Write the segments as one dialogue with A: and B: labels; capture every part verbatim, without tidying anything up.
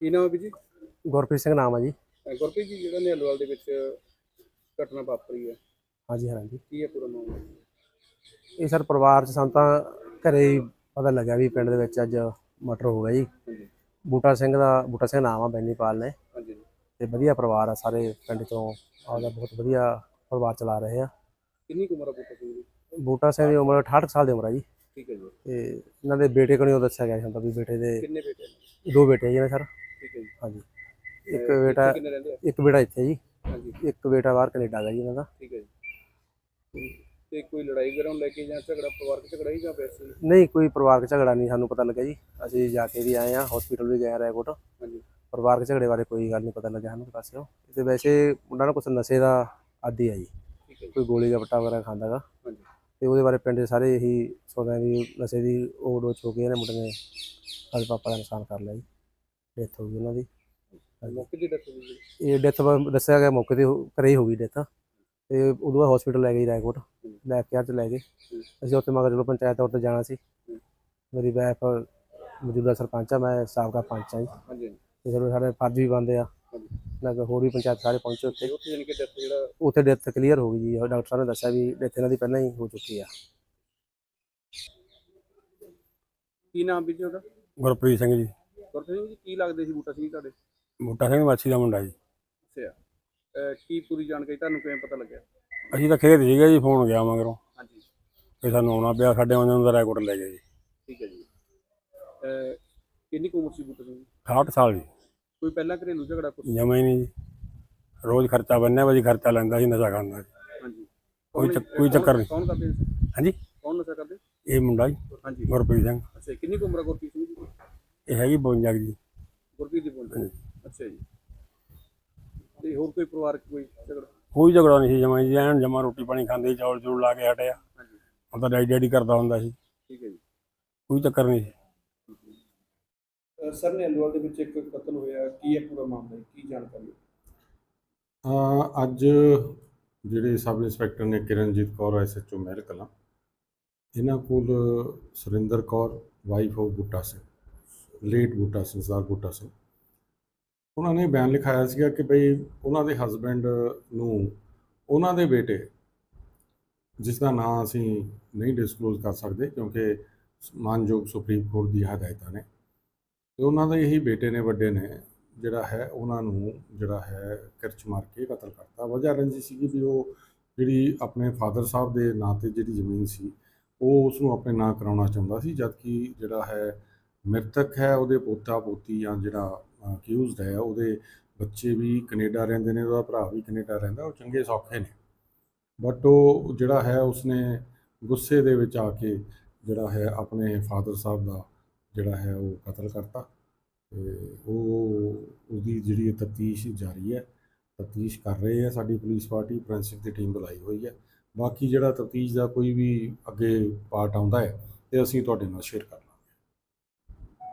A: ਕੀ ਨਾਮ ਹੈ ਵੀਰ ਜੀ?
B: ਗੁਰਪ੍ਰੀਤ ਸਿੰਘ ਨਾਮ ਆ ਜੀ।
A: ਅਹ ਗੁਰਪ੍ਰੀਤ ਜੀ, ਜਿਹੜਾ ਨਿਹਾਲਵਾਲ ਦੇ ਵਿੱਚ ਘਟਨਾ ਵਾਪਰੀ ਹੈ,
B: ਹਾਂਜੀ ਹਾਂਜੀ।
A: ਕੀ ਹੈ ਪੂਰਾ ਮਾਮਲਾ?
B: ਇਹ ਸਰ ਪਰਿਵਾਰ 'ਚ ਸਾਨੂੰ ਤਾਂ ਘਰੇ ਹੀ ਪਤਾ ਲੱਗਿਆ ਵੀ ਪਿੰਡ ਦੇ ਵਿੱਚ ਅੱਜ ਮਰਡਰ ਹੋ ਗਿਆ ਜੀ।
A: ਹਾਂਜੀ
B: ਬੂਟਾ ਸਿੰਘ ਦਾ ਬੂਟਾ ਸਿੰਘ ਨਾਮ ਆ, ਬੈਨੀਪਾਲ ਨੇ।
A: ਹਾਂਜੀ।
B: ਤੇ ਵਧੀਆ ਪਰਿਵਾਰ ਆ, ਸਾਰੇ ਪਿੰਡ ਤੋਂ ਆਪਦਾ ਬਹੁਤ ਵਧੀਆ ਪਰਿਵਾਰ ਚਲਾ ਰਹੇ ਆ।
A: ਕਿੰਨੀ ਕੁ ਉਮਰ ਆ ਬੂਟਾ ਸਿੰਘ ਦੀ?
B: ਬੂਟਾ ਸਿੰਘ ਦੀ ਉਮਰ ਅਠਾਹਠ ਸਾਲ ਦੀ ਉਮਰ ਆ ਜੀ।
A: ਠੀਕ ਹੈ ਜੀ।
B: ਤੇ ਇਹਨਾਂ ਦੇ ਬੇਟੇ ਕੋਲ ਦੱਸਿਆ ਗਿਆ ਹੁੰਦਾ ਵੀ ਬੇਟੇ ਦੇ
A: ਕਿੰਨੇ ਬੇਟੇ ਨੇ?
B: ਦੋ ਬੇਟੇ ਜੀ ਨੇ ਸਰ।
A: ਠੀਕ ਹੈ ਜੀ।
B: ਹਾਂਜੀ।
A: ਅਹ
B: ਇੱਕ
A: ਇੱਥੇ
B: ਬੇਟਾ
A: ਕਿੰਨੇ ਰਹਿੰਦੇ ਆ?
B: ਇੱਕ ਬੇਟਾ ਇੱਥੇ ਜੀ,
A: ਹਾਂਜੀ
B: ਇੱਕ ਬੇਟਾ ਬਾਹਰ ਕੈਨੇਡਾ ਦਾ ਜੀ ਇਹਨਾਂ ਦਾ।
A: ਠੀਕ ਹੈ ਜੀ। ਤੇ ਕੋਈ ਲੜਾਈ ਵਗੈਰਾ ਨੂੰ ਲੈ ਕੇ ਜਾਂ ਝਗੜਾ, ਪਰਿਵਾਰਕ ਝਗੜਾ ਹੀ ਜਾਂ ਵੈਸੇ ਹੀ?
B: ਨਹੀਂ, ਕੋਈ ਪਰਿਵਾਰਕ ਝਗੜਾ ਨਹੀਂ ਸਾਨੂੰ ਪਤਾ ਲੱਗਾ ਜੀ। ਅਸੀਂ ਜਾ ਕੇ ਵੀ ਆਏ ਆ, ਹਸਪੀਟਲ ਵੀ ਗਏ ਆ ਰਾਏਕੋਟ।
A: ਹਾਂਜੀ
B: ਪਰਿਵਾਰਕ ਝਗੜੇ ਬਾਰੇ ਕੋਈ ਗੱਲ ਨਹੀਂ ਪਤਾ ਲੱਗਿਆ ਸਾਨੂੰ ਪਾਸਿਓ। ਤੇ ਵੈਸੇ ਮੁੰਡਾ ਨਾ ਕੁਛ ਨਸ਼ੇ ਦਾ ਆਦੀ ਆ ਜੀ,
A: ਠੀਕ ਹੈ ਜੀ।
B: ਕੋਈ ਗੋਲੀ ਗੱਪਟਾ ਵਗੈਰਾ ਖਾਂਦਾ ਗਾ।
A: ਹਾਂਜੀ
B: ਤੇ ਉਹਦੇ ਬਾਰੇ ਪਿੰਡ ਦੇ ਸਾਰੇ ਇਹੀ ਸੋਚਦੇ ਵੀ ਨਸ਼ੇ ਦੀ ਓਵਰਡੋਜ਼ ਹੋ ਕੇ ਇਹਨੇ ਮੁੰਡੇ ਨੇ ਸਾਡੇ ਪਾਪਾ ਦਾ ਨੁਕਸਾਨ ਕਰ ਲਿਆ ਜੀ। ਡੈਥ ਹੋ ਗਈ ਉਹਨਾਂ ਦੀ।
A: ਮੌਕੇ ਦੀ ਡੈਥ ਹੋਈ ਜੀ?
B: ਇਹ ਡੈਥ ਦੱਸਿਆ ਗਿਆ ਮੌਕੇ ਤੇ ਹੋ- ਘਰੇ ਹੀ ਹੋ ਗਈ ਡੈਥ। ਤੇ ਉਦੋਂ ਬਾਅਦ ਹਸਪੀਟਲ ਲੈ ਗਏ ਰਾਏਕੋਟ, ਲੈਬ ਕੇਅਰ 'ਚ ਲੈ ਗਏ। ਅਸੀਂ ਉੱਥੇ ਮਗਰ ਚਲੋ ਪੰਚਾਇਤ ਤੌਰ 'ਤੇ ਜਾਣਾ ਸੀ। ਮੇਰੀ ਵਾਈਫ ਮੌਜੂਦਾ ਸਰਪੰਚ ਆ, ਮੈਂ ਸਾਬਕਾ ਪੰਚ ਆ ਜੀ।
A: ਹਾਂਜੀ ਹਾਂਜੀ
B: ਤੇ ਚਲੋ ਸਾਡੇ ਫਰਜ਼ ਵੀ ਬਣਦੇ ਆ।
A: ਹਾਂਜੀ।
B: ਨਾ ਹੋਰ ਵੀ ਪੰਚਾਇਤ ਸਾਰੇ ਪਹੁੰਚੇ ਉੱਥੇ।
A: ਤੇ ਉੱਥੇ ਜਾਣੀ ਕਿ ਡੈਥ ਜਿਹੜਾ
B: ਉੱਥੇ ਡੈਥ ਕਲੀਅਰ ਹੋ ਗਈ ਜੀ। ਡਾਕਟਰ ਸਾਹਿਬ ਨੇ ਦੱਸਿਆ ਵੀ ਡੈਥ ਇਹਨਾਂ ਦੀ ਪਹਿਲਾਂ ਹੀ ਹੋ ਚੁੱਕੀ ਆ।
A: ਕੀ ਨਾਮ ਵੀਰ ਜੀ ਉਹਦਾ?
C: ਗੁਰਪ੍ਰੀਤ ਸਿੰਘ ਜੀ।
A: ਗੁਰਪ੍ਰੀਤ ਸਿੰਘ ਜੀ, ਕੀ ਲੱਗਦੇ ਸੀ ਬੂਟਾ ਸਿੰਘ ਤੁਹਾਡੇ?
C: ਬੂਟਾ ਸਿੰਘ ਮਾਛੀ ਦਾ ਮੁੰਡਾ ਜੀ।
A: ਅੱਛਾ। ਅਹ ਕੀ ਪੂਰੀ ਜਾਣਕਾਰੀ ਤੁਹਾਨੂੰ ਕਿਵੇਂ ਪਤਾ ਲੱਗਿਆ?
C: ਅਸੀਂ ਤਾਂ ਖੇਤ ਸੀਗੇ ਜੀ, ਫੋਨ ਗਿਆ ਮਗਰੋਂ
A: ਹਾਂਜੀ
C: ਤੇ ਸਾਨੂੰ ਆਉਣਾ ਪਿਆ। ਸਾਡੇ ਆਉਂਦੇ ਨੂੰ ਤਾਂ ਰਾਏਕੋਟ ਲੈ ਗਏ ਜੀ।
A: ਠੀਕ ਹੈ ਜੀ। ਅਹ ਕਿੰਨੀ ਕੁ ਉਮਰ ਸੀ ਬੂਟਾ ਸਿੰਘ ਦੀ?
C: ਅਠਾਹਠ ਸਾਲ ਜੀ।
A: ਕੋਈ ਪਹਿਲਾਂ ਘਰੇਲੂ ਝਗੜਾ ਕੁਛ?
C: ਜਮਾ ਹੀ ਨਹੀਂ ਜੀ। ਰੋਜ਼ ਖਰਚਾ ਬੰਨਿਆ ਵਾ ਜੀ, ਖਰਚਾ ਲੈਂਦਾ ਸੀ, ਨਸ਼ਾ ਕਰਦਾ ਸੀ।
A: ਹਾਂਜੀ।
C: ਕੋਈ
A: ਕੌਣ-
C: ਚੱਕ- ਕੋਈ
A: ਕੌਣ-
C: ਚੱਕਰ ਨਹੀਂ।
A: ਕੌਣ ਕਰਦੇ ਸੀ?
C: ਹਾਂਜੀ।
A: ਕੌਣ ਨਸ਼ਾ ਕਰਦੇ?
C: ਇਹ ਮੁੰਡਾ ਜੀ
A: ਹਾਂਜੀ।
C: ਗੁਰਪ੍ਰੀਤ ਸਿੰਘ।
A: ਅੱਛਾ, ਕਿੰਨੀ ਕੁ ਉਮਰ ਆ ਗੁਰਪ੍ਰੀਤ ਸਿੰਘ ਦੀ?
C: ਇਹ ਹੈਗੀ ਬਵੰਜਾ ਕੁ ਜੀ।
A: ਗੁਰਪ੍ਰੀਤ ਦੀ ਬੋਲਦੇ? ਅੱਛਾ ਜੀ। ਤੇ ਹੋਰ ਕੋਈ ਪਰਿਵਾਰਕ ਕੋਈ ਝਗੜਾ?
C: ਕੋਈ ਝਗੜਾ ਨਹੀਂ ਸੀ ਜਮਾ ਜੀ। ਐਨ ਜਮਾ ਰੋਟੀ ਪਾਣੀ ਖਾਂਦੇ ਸੀ, ਚੌਲ ਚੂਲ ਲਾ ਕੇ ਹਟਿਆ।
A: ਹਾਂਜੀ
C: ਹੁਣ ਤਾਂ ਡੈਡੀ ਡੈਡੀ ਕਰਦਾ ਹੁੰਦਾ ਸੀ।
A: ਠੀਕ ਹੈ ਜੀ।
C: ਕੋਈ ਚੱਕਰ ਨਹੀਂ ਸੀ।
A: ਸਰ, ਨਿਹਾਲਵਾਲ ਦੇ ਵਿੱਚ ਇੱਕ ਕਤਲ ਹੋਇਆ, ਕੀ ਹੈ ਪੂਰਾ ਮਾਮਲਾ, ਕੀ ਜਾਣਕਾਰੀ?
D: ਅ, ਅੱਜ ਜਿਹੜੇ ਸਬ ਇੰਸਪੈਕਟਰ ਨੇ Kiranjit Kaur S H O Mehal Kalan, ਇਹਨਾਂ ਕੋਲ Surinder Kaur wife of Buta Singh, late Buta Singh, Sardar Buta Singh, ਉਹਨਾਂ ਨੇ ਬਿਆਨ ਲਿਖਾਇਆ ਸੀਗਾ ਕਿ ਬਈ ਉਹਨਾਂ ਦੇ ਹਸਬੈਂਡ ਨੂੰ ਉਹਨਾਂ ਦੇ ਬੇਟੇ, ਜਿਸ ਦਾ ਨਾਂ ਅਸੀਂ ਨਹੀਂ ਡਿਸਕਲੋਜ਼ ਕਰ ਸਕਦੇ ਕਿਉਂਕਿ ਮਾਨਯੋਗ ਸੁਪਰੀਮ ਕੋਰਟ ਦੀ ਹਦਾਇਤਾਂ ਨੇ, ਤੇ ਉਹਨਾਂ ਦੇ ਇਹੀ ਬੇਟੇ ਨੇ, ਵੱਡੇ ਨੇ, ਜਿਹੜਾ ਹੈ ਉਹਨਾਂ ਨੂੰ ਜਿਹੜਾ ਹੈ ਕਿਰਚ ਮਾਰ ਕੇ ਕਤਲ ਕਰਤਾ। ਵਜ੍ਹਾ ਰੰਜਿਸ਼ ਸੀਗੀ ਵੀ ਉਹ ਜਿਹੜੀ ਆਪਣੇ ਫਾਦਰ ਸਾਹਿਬ ਦੇ ਨਾਂ 'ਤੇ ਜਿਹੜੀ ਜ਼ਮੀਨ ਸੀ ਉਹ ਉਸ ਨੂੰ ਆਪਣੇ ਨਾਂ ਕਰਾਉਣਾ ਚਾਹੁੰਦਾ ਸੀ, ਜਦਕਿ ਜਿਹੜਾ ਹੈ ਮ੍ਰਿਤਕ ਹੈ ਉਹਦੇ ਪੋਤਾ ਪੋਤੀ ਜਾਂ ਜਿਹੜਾ ਅਕਿਊਜ਼ਡ ਹੈ ਉਹਦੇ ਬੱਚੇ ਵੀ ਕੈਨੇਡਾ ਰਹਿੰਦੇ ਨੇ, ਉਹਦਾ ਭਰਾ ਵੀ ਕੈਨੇਡਾ ਰਹਿੰਦਾ, ਉਹ ਚੰਗੇ ਸੌਖੇ ਨੇ। ਬਟ ਉਹ ਜਿਹੜਾ ਹੈ ਉਸਨੇ ਗੁੱਸੇ ਦੇ ਵਿੱਚ ਆ ਕੇ ਜਿਹੜਾ ਹੈ ਆਪਣੇ ਫਾਦਰ ਸਾਹਿਬ ਦਾ ਜਿਹੜਾ ਹੈ ਉਹ ਕਤਲ ਕਰਤਾ। ਤੇ ਉਹ ਉਹਦੀ ਜਿਹੜੀ ਤਫਤੀਸ਼ ਜਾਰੀ ਹੈ, ਤਫਤੀਸ਼ ਕਰ ਰਹੇ ਹੈ ਸਾਡੀ ਪੁਲਿਸ ਪਾਰਟੀ, ਫੋਰੈਂਸਿਕ ਦੀ ਟੀਮ ਬੁਲਾਈ ਹੋਈ ਹੈ। ਬਾਕੀ ਜਿਹੜਾ ਤਫਤੀਸ਼ ਦਾ ਕੋਈ ਵੀ ਅੱਗੇ ਪਾਰਟ ਆਉਂਦਾ ਹੈ ਤੇ ਅਸੀਂ ਤੁਹਾਡੇ ਨਾਲ ਸ਼ੇਅਰ ਕਰ ਲਾਂਗੇ।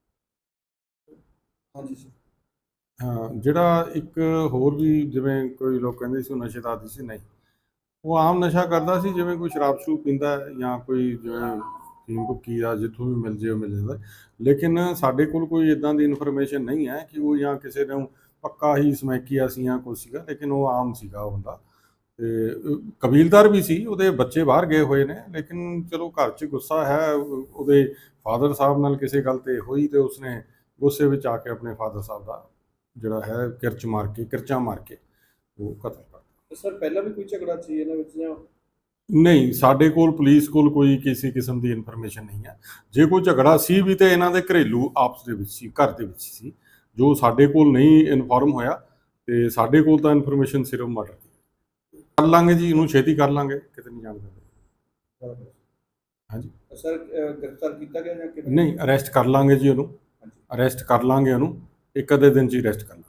A: ਹਾਂਜੀ ਸਰ।
D: ਹਾਂ, ਜਿਹੜਾ ਇੱਕ ਹੋਰ ਵੀ ਜਿਵੇਂ ਕੋਈ ਲੋਕ ਕਹਿੰਦੇ ਸੀ ਉਹ ਨਸ਼ੇ ਦਾ ਆਦੀ ਸੀ, ਨਹੀਂ, ਉਹ ਆਮ ਨਸ਼ਾ ਕਰਦਾ ਸੀ, ਜਿਵੇਂ ਕੋਈ ਸ਼ਰਾਬ ਸ਼ਰੂਬ ਪੀਂਦਾ ਜਾਂ ਕੋਈ ਜਿਵੇਂ ਫੀਮ ਭੁੱਕੀ ਆ ਜਿੱਥੋਂ ਵੀ ਮਿਲ ਜੇ ਉਹ ਮਿਲ ਜਾਂਦਾ। ਲੇਕਿਨ ਸਾਡੇ ਕੋਲ ਕੋਈ ਇੱਦਾਂ ਦੀ ਇਨਫੋਰਮੇਸ਼ਨ ਨਹੀਂ ਹੈ ਕਿ ਉਹ ਜਾਂ ਕਿਸੇ ਨੂੰ ਪੱਕਾ ਹੀ ਸਮੈਕੀਆ ਸੀ ਜਾਂ ਕੁਛ ਸੀਗਾ, ਲੇਕਿਨ ਉਹ ਆਮ ਸੀਗਾ ਉਹ ਬੰਦਾ। ਤੇ ਕਬੀਲਦਾਰ ਵੀ ਸੀ, ਉਹਦੇ ਬੱਚੇ ਬਾਹਰ ਗਏ ਹੋਏ ਨੇ, ਲੇਕਿਨ ਚਲੋ ਘਰ 'ਚ ਗੁੱਸਾ ਹੈ, ਉਹਦੇ ਫਾਦਰ ਸਾਹਿਬ ਨਾਲ ਕਿਸੇ ਗੱਲ 'ਤੇ ਹੋਈ ਤੇ ਉਸਨੇ ਗੁੱਸੇ ਵਿੱਚ ਆ ਕੇ ਆਪਣੇ ਫਾਦਰ ਸਾਹਿਬ ਦਾ ਜਿਹੜਾ ਹੈ ਕਿਰਚ ਮਾਰ ਕੇ ਕਿਰਚਾਂ ਮਾਰ ਕੇ ਉਹ ਕਤਲ ਕਰਤਾ।
A: ਸਰ, ਪਹਿਲਾਂ ਵੀ ਕੋਈ ਝਗੜਾ ਸੀ ਇਹਨਾਂ ਵਿੱਚ ਜਾਂ?
D: ਨਹੀਂ, ਸਾਡੇ ਕੋਲ ਪੁਲਿਸ ਕੋਲ ਕੋਈ ਕਿਸੇ ਕਿਸਮ ਦੀ ਇਨਫੋਰਮੇਸ਼ਨ ਨਹੀਂ ਹੈ। ਜੇ ਕੋਈ ਝਗੜਾ ਸੀ ਵੀ ਤੇ ਇਹਨਾਂ ਦੇ ਘਰੇਲੂ ਆਪਸ ਦੇ ਵਿੱਚ ਸੀ, ਘਰ ਦੇ ਵਿੱਚ ਸੀ, ਜੋ ਸਾਡੇ ਕੋਲ ਨਹੀਂ ਇਨਫੋਰਮ ਹੋਇਆ। ਤੇ ਸਾਡੇ ਕੋਲ ਤਾਂ ਇਨਫੋਰਮੇਸ਼ਨ ਸਿਰਫ ਮਰਡਰ ਦੀ। ਕਰ ਲਾਂਗੇ ਜੀ, ਇਹਨੂੰ ਛੇਤੀ ਕਰ ਲਾਂਗੇ, ਕਿਤੇ ਨਹੀਂ ਜਾਣ ਦਿੰਦੇ। ਹਾਂਜੀ
A: ਸਰ, ਗ੍ਰਿਫਤਾਰ ਕੀਤਾ ਗਿਆ ਜਾਂ ਕਿਵੇਂ?
D: ਨਹੀਂ, ਅਰੈਸਟ ਕਰ ਲਾਂਗੇ ਜੀ ਉਹਨੂੰ, ਅਰੈਸਟ ਕਰ ਲਾਂਗੇ ਉਹਨੂੰ, ਇੱਕ ਅੱਧੇ ਦਿਨ 'ਚ ਹੀ ਅਰੈਸਟ ਕਰ ਲਾਂਗੇ।